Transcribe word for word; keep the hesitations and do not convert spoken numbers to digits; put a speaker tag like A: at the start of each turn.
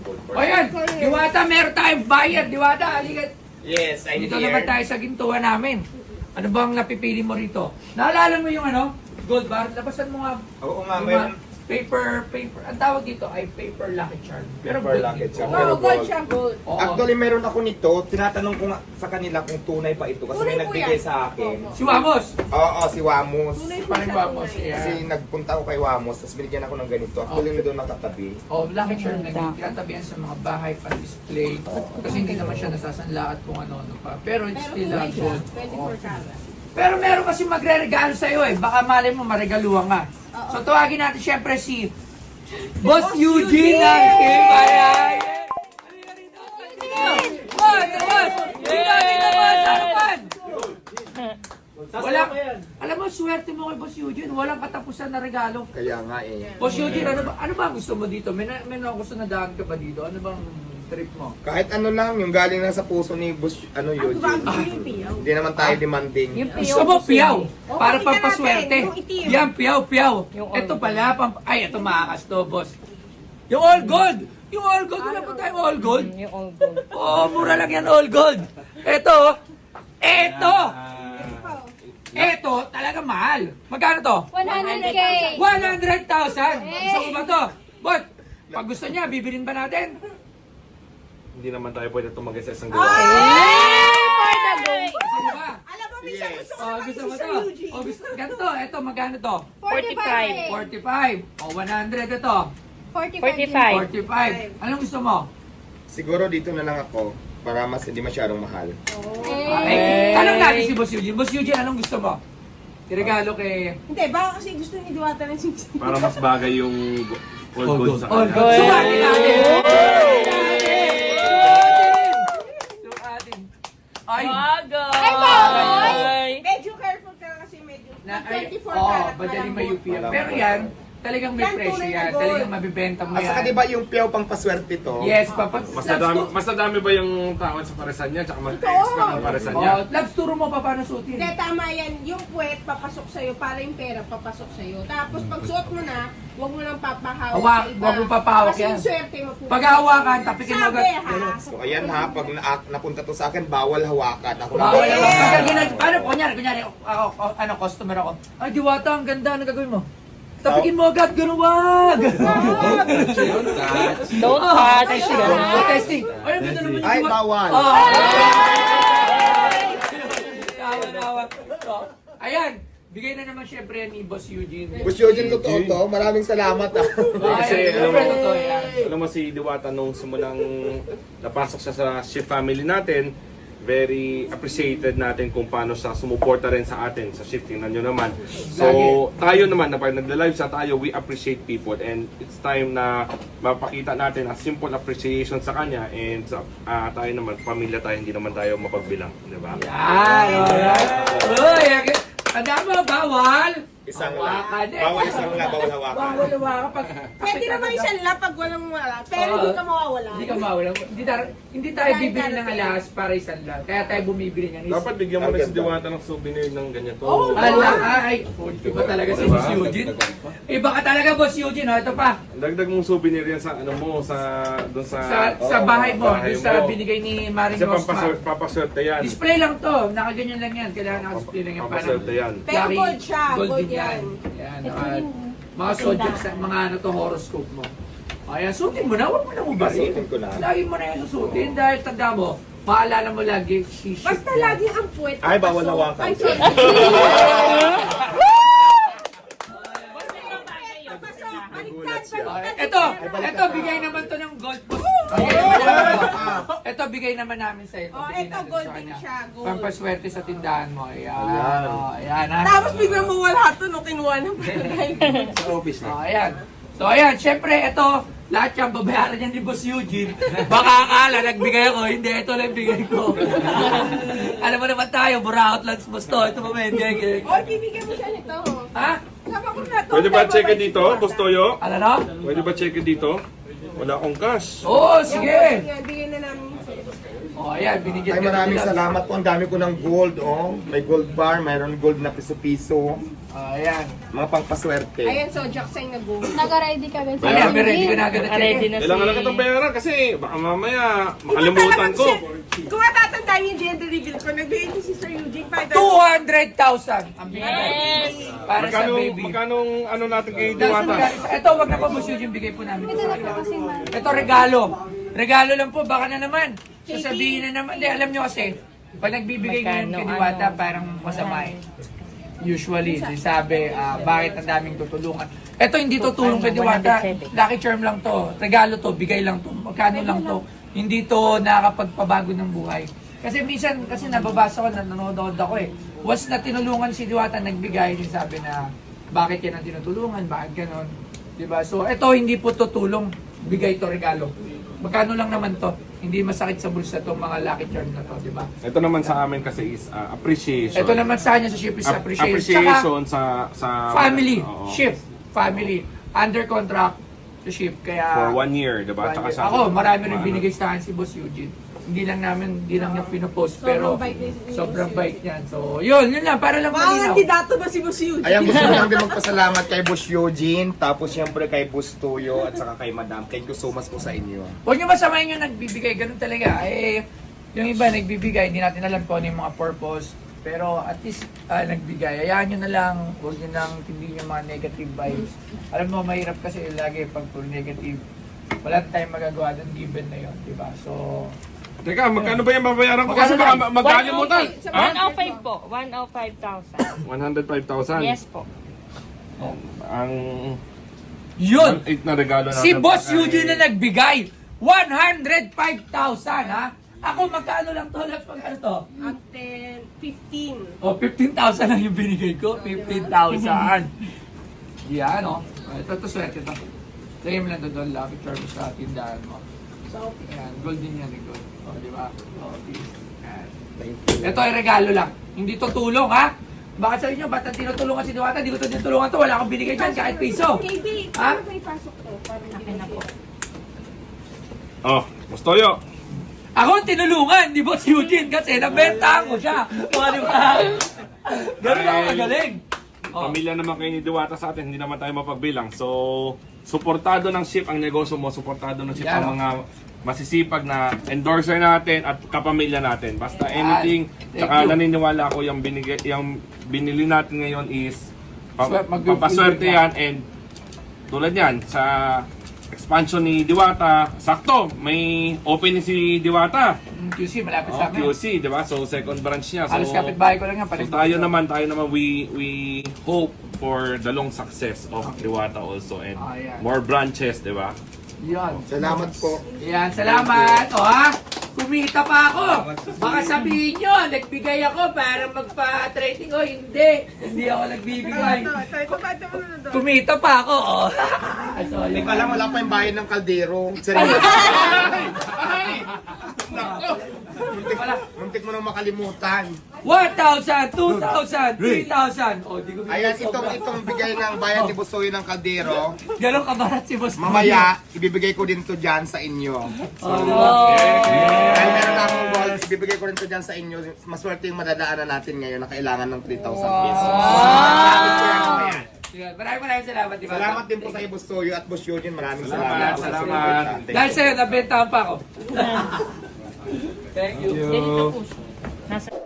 A: gold
B: O yan, Diwata, meron tayong bayad. Diwata, halika.
A: Yes, I'm
B: Dito
A: here.
B: naman tayo sa gintuan namin. Ano bang napipili mo rito? Naalala mo yung ano? Gold bar? Labasan mo nga.
A: Oo nga,
B: yung
A: meron.
B: mga paper, paper. Ang tawag dito ay paper lucky charm. Pero
A: Paper
B: gold
A: lucky
B: dito.
A: charm.
B: Oo.
A: Pero
C: Oo, gold
A: gold.
C: siya, gold.
B: Oo.
A: Actually, meron ako nito. Tinatanong ko nga sa kanila kung tunay pa ito. Kasi may
C: Tunay po
A: nagbigay
C: yan.
A: sa akin.
C: Opo.
B: Si Wamos.
A: Oo, si Wamos.
C: Tunay po
B: Parang
C: siya,
B: Wamos.
C: tunay.
B: Yeah.
A: Kasi nagpunta ako kay Wamos, tapos binigyan ako ng ganito. Actually, na doon nakatabi.
B: Oh, lucky charm na tinatabihan sa mga bahay pan-display. Kasi hindi naman siya nasasanla at kung ano-ano pa. Pero it's
C: Pero
B: still
C: tunay
B: uh,
C: siya,
B: gold.
C: twenty-four karat.
B: Pero meron kasi magre-regalo sa'yo eh. Baka malay mo, maregaluhan ka.
C: Oo.
B: So tawagin natin syempre si Boss
C: Boss
B: Eugene
C: Eugene!
B: ng Team Bayan. Halika rito. Boss, boss! Dito, dito, boss! Harapan! Wala, alam mo, swerte mo kay Boss Eugene. Walang katapusan na regalo.
A: Kaya nga eh.
B: Boss Eugene, ano ba, ano ba ang gusto mo dito? May, na- may na gusto na daan ka ba dito? Ano bang trip mo?
A: Kahit ano lang, yung galing na sa puso ni Boss, ano
C: Ang
A: Eugene.
C: bago yung piyaw.
A: Hindi naman tayo demanding.
B: Gusto mo piyaw?
C: Oh,
B: Para
C: pakita
B: pampaswerte.
C: natin, yung itim.
B: Yan, piyaw, piyaw. Ito pala, pamp ay, ito makakas to, boss. Yung all gold! Yung all gold, wala pa tayong all gold.
D: Yung all gold.
B: Oo, mura lang yan, all gold. Ito, ito, ito, talaga mahal. Magkano to?
D: one hundred K!
B: one hundred thousand. Gusto mo ba to? But, pag gusto niya, bibilin ba natin?
E: Hindi naman tayo pwede tumagay sa isang
C: Ah!
E: gawa.
D: For the gold!
B: Gusto mo ba?
C: Alam mo, minsan
A: Yes.
C: gusto ko
B: Oh,
C: naman
B: gusto
C: si
B: mo
C: Sir
B: to?
C: Eugene.
B: Oh, gusto, ganito, ito, magkano to?
D: forty-five.
B: forty-five. Oh, one hundred ito.
D: forty-five.
B: forty-five. Anong gusto mo?
A: Siguro dito na lang ako para mas hindi masyadong mahal.
B: Eh, tanong natin si Boss Eugene. Boss Eugene, anong gusto mo? Regalo kay...
C: Hindi, baka kasi gusto ni Diwata ng singsing.
E: Para mas bagay yung go- all gold sa
B: All
E: kanya.
B: gold. Sukatin natin! Sukatin! Sukatin! Ay!
D: Bago!
C: Ay,
D: Ay!
C: Medyo careful ka kasi medyo.
B: Na, ay,
C: twenty-four
B: oh,
C: karat.
B: madaling may U
C: malambot.
B: P yan. Pero yan, talagang may
C: Yan,
B: presyo
C: tunay na
B: yan.
C: gold.
B: Talagang mabibenta mo
A: At saka
B: yan.
A: diba yung piyaw pang paswerte to?
B: Yes, papa.
E: Mas nadami, mas nadami ba yung tawad sa paresan niya? Tsaka mas expert ang paresan niya?
B: Oh, labs, turo mo pa paano suotin.
C: Hindi, tama yan. Yung puwet, papasok sa'yo para yung pera papasok sa'yo. Tapos pag suot mo na, huwag mo nang papahawak
B: Hawak,
C: sa iba.
B: huwag mo papahawak
C: Kasi
B: yan.
C: yung swerte mo po.
B: Pag hawakan, tapikin mo
C: Sabi
B: agad.
C: ha.
A: So ayan ha, pag na- napunta to sa akin, bawal hawakan. Ako lang.
B: Bawal
C: Yes!
B: naman. Pagka ginag... Paano? Kunyari, kunyari, ako, ako, ano, customer ako. Ay, Diwata, ang ganda. Ano gagawin mo? Tapikin mo agad, ganun wag!
D: Don't
B: Ah,
D: touch!
B: testing. Oh, testing. Ay, ang ganda naman yung
A: Ay,
B: Diwa-
A: bawal.
B: Oh. Tawa, tawa. So, ayan, bigay na naman syempre ni Boss Eugene.
A: Boss Eugene, totoo to. Maraming salamat ah.
E: Kasi,
B: Ay,
E: alam
B: syempre,
E: mo-
B: totoo yan.
E: Alam mo si Diwata nung simulang napasok siya sa shift family natin, very appreciated natin kung paano siya sumuporta rin sa atin sa shifting na nyo naman. So, tayo naman, na pag nagla-live siya tayo, we appreciate people and it's time na mapakita natin a simple appreciation sa kanya and sa ah, tayo naman, pamilya tayo, hindi naman tayo mapagbilang, di ba?
B: Yan, alright. Uy, tanda mo, bawal.
A: Isang lang.
B: Hawakan eh.
A: Bawal isang lang, bawal hawakan.
B: Bawal hawakan. Pag,
C: Pwede naman isang lap pag walang wala. Pero
B: Oo.
C: hindi ka mawawala.
B: Hindi ka mawala. Hindi, tar- hindi tayo bibili ng alas para isang lang. Kaya tayo bumibili ng isa.
E: Dapat bigyan mo
A: Ang
E: na si
A: ganda.
E: Diwata ng souvenir ng ganito.
C: Oh,
B: Ala, ay, iba talaga si Boss Eugene. Iba ka talaga, Boss Eugene. Oh, ito pa.
E: Dagdag mong souvenir yan sa ano mo, sa doon sa
B: Sa, sa bahay mo,
E: bahay
B: doon sa
E: mo.
B: binigay ni Maring
E: Kasi
B: Rosmar.
E: papaswerte, papaswerte yan.
B: Display lang to. Nakaganyan lang yan. Kailangan nakadisplay lang yan.
E: Papaswerte yan.
C: Pero
B: Yari,
C: gold siya, gold
B: din
C: yan.
B: Yan. Naka, mga zodiac sa mga ano to, horoscope mo. Ayan, suotin mo na. Huwag mo na ubarin.
A: Suotin ko na.
B: Lagi mo na yung susutin dahil tanda mo, maalala mo lagi, shiship
C: Basta
B: yan.
C: lagi ang puwet.
A: Ay, bawal
C: papasok.
A: hawakan.
C: Ay, sorry. Papasok, baliktad, baliktad.
B: Ito, ito, bigay naman to ng gold post. Ito, bigay naman namin sa ito.
C: Oh,
B: Bigay
C: ito,
B: natin
C: gold
B: sa
C: din
B: kanya.
C: siya, gold.
B: Pampaswerte sa tindahan mo. Ayan.
A: Ayan.
B: Oh, ayan. ha?
C: Tapos biglang mawala ito no, kinuha ng barangay.
A: Sa office
B: Oh, ayan. So, ayan. Siyempre, ito, lahat yan, babayaran yan ni Boss Eugene. Baka akala, nagbigay ako. Hindi, ito lang bigay ko. Alam mo naman tayo, buraot lang sa Boss to. Ito pa, men. Gege.
C: Oy, bibigyan mo siya nito.
B: Ha?
C: Sama ko na to.
E: Pwede ba check dito, Boss Toyo?
B: Ano no?
E: Pwede ba check dito? Wala akong cash.
B: Oo, oh, sige.
C: Yan, bigyan na namin sa'yo.
B: Oh, ayan, binigyan
A: Ay,
B: ka
A: maraming
B: nila.
A: salamat po. Ang dami ko ng gold, oh. May gold bar, mayroon gold na piso-piso.
B: Oh, ayan.
A: Mga pangpaswerte.
C: Ayan, so Jackson na go.
F: Nag-ready ka guys.
B: Ayan, may ready ka na agad na
D: Ready
B: check.
D: na
E: Kailangan lang
D: si...
E: itong bayaran kasi baka mamaya makalimutan ko.
C: Kung matatandaan yung gender reveal ko, nagbigay ko si Sir Eugene five
B: two hundred thousand ang binigay.
D: Yes!
B: Para sa
E: Magkano,
B: baby.
E: magkano ano natin kay
B: Dahil sa
E: Diwata?
B: regalo- Ito, wag na pa mo yung bigay po namin. Ito, regalo. Regalo lang po, baka na naman. Sasabihin na naman. Di, alam nyo kasi, pag nagbibigay ngayon
D: Magkano,
B: kay Diwata,
D: ano?
B: parang masama eh. Usually, sabi, ah, bakit ang daming tutulungan. Ito, hindi to tulong kay Diwata. Lucky charm lang to. Regalo to, bigay lang to. Magkano lang to. Hindi to nakakapagpabago ng buhay. Kasi minsan, kasi nababasa ko, na nanonood ako eh. Once na tinulungan si Diwata, nagbigay, din sabi na, bakit yan ang tinutulungan, bakit ganon. Diba? So, ito, hindi po to tulong. Bigay to, regalo. Magkano lang naman to. Hindi masakit sa bulsa to mga lucky charm na to, di ba?
E: Ito naman sa amin kasi is uh, appreciation.
B: Ito naman sa kanya sa ship is
E: Ap-
B: appreciation.
E: appreciation
B: Tsaka,
E: sa sa
B: family,
E: Oo.
B: ship, family, under contract to ship. Kaya,
E: For one year, diba?
B: one
E: Tsaka
B: year.
E: sa-
B: Ako, marami rin
E: Ano?
B: binigay sa akin si Boss Eugene. Hindi lang namin, hindi lang niya pinopost, pero
C: Sobrang bait niya.
B: sobrang bait niyan. So, yun, yun lang, para lang
C: Mga
B: malinaw.
C: kandidato ba si Boss Eugene?
A: Ayan, gusto ko lang din magpasalamat kay Boss Eugene, tapos siyempre kay Boss Tuyo, at saka kay Madam. Thank you so much po sa inyo.
B: Huwag niyo masamayin yung nagbibigay, ganun talaga. Eh, yung iba nagbibigay, hindi natin alam kung ano yung mga purpose. Pero at least ah, nagbigay. Hayaan nyo na lang, huwag nyo nang hindi yung mga negative vibes. Alam mo, mahirap kasi lagi pag puro negative. Wala tayong magagawa doon, given na yun, di ba? So,
E: Teka, magkano ba yung babayaran ko?
B: Magkano
E: Kasi baka
B: lang?
E: ma- magkalimutan.
D: one oh five po. one oh five thousand.
E: one hundred five thousand.
D: Yes po.
E: Ang
B: yun!
E: one eight na regalo natin.
B: Si Boss Eugene na nagbigay, one hundred five thousand, ha? Ako, magkano lang to? Laps, magkano to?
C: Ang ten, fifteen.
B: O, fifteen thousand lang yung binigay ko. fifteen thousand. Yan, o. Ito, ito, swerte to. Lagay mo lang to doon, lucky charm sa tindahan mo. So, yan, gold din yan, eh, gold. O, di ba? O, please. Yan.
A: Thank you.
B: Ito ay regalo lang. Hindi to tulong, ha? Baka sabi nyo, ba't ang tinutulungan si Diwata? Hindi ko to tinutulungan to. Wala akong binigay dyan, kahit piso.
C: K B,
B: Ha?
C: paano may pasok to? Para hindi na po.
E: Oh, Mustoyo.
B: Ako ang tinulungan ni Boss Eugene kasi nabenta ko siya. O, di ba? Ganun ako
E: Ay.
B: magaling. O.
E: Pamilya naman kayo ni Diwata sa atin, hindi naman tayo mapagbilang. So, suportado ng ship ang negosyo mo, suportado ng ship
B: Yan,
E: ang
B: oh.
E: mga masisipag na endorser natin at kapamilya natin. Basta
B: Yan.
E: anything,
B: Thank
E: saka
B: you.
E: naniniwala ako yung, binigay, yung binili natin ngayon is pa,
B: Swer- mag-
E: papaswerte
B: mag-
E: yan and tulad yan sa expansion ni Diwata, sakto, may opening si Diwata.
B: Mm, Q C, malapit
E: Oh,
B: sa amin.
E: Q C, di ba? So, second branch niya. So,
B: Halos kapitbahay ko lang yan.
E: So
B: palit-
E: tayo naman, tayo naman, we we hope for the long success of Diwata also and
B: Ah, yeah.
E: more branches, di ba?
B: Yan.
A: Salamat po.
B: Yan, salamat. O ha, kumita pa ako. Baka sabihin nyo, nagbigay ako para magpa-trading. O hindi, hindi ako nagbibigay.
C: Ito, ito, ito, ito, ito, ito.
B: Kumita pa ako. O. So,
A: Hindi
B: yun.
A: ko alam, wala pa yung bayan ng kaldero. Seryoso.
B: Wala.
A: Muntik mo nang makalimutan.
B: one thousand, two thousand, three thousand. O, di ko
A: Ayan,
B: bigay
A: itong,
B: sobra.
A: itong bigay ng bayan ni Busoy ng kaldero.
B: Ganon kabarat si Boss.
A: Mamaya, ibibigay ko din to dyan sa inyo.
B: Oh.
A: Dahil meron na akong gold, ibibigay ko rin to dyan sa inyo. Maswerte yung madadaanan natin ngayon na kailangan ng three thousand pesos. Promise ko yan mamaya.
B: Yan, maraming maraming salamat. Di ba?
A: Salamat din po sa iyo, Busoy at Boss Eugene. Maraming
E: Salamat,
A: salamat. po sa
E: salamat.
A: support natin.
B: Dahil sa'yo, nabentahan pa ako. Thank you.
D: Ganito po siya. Nasa...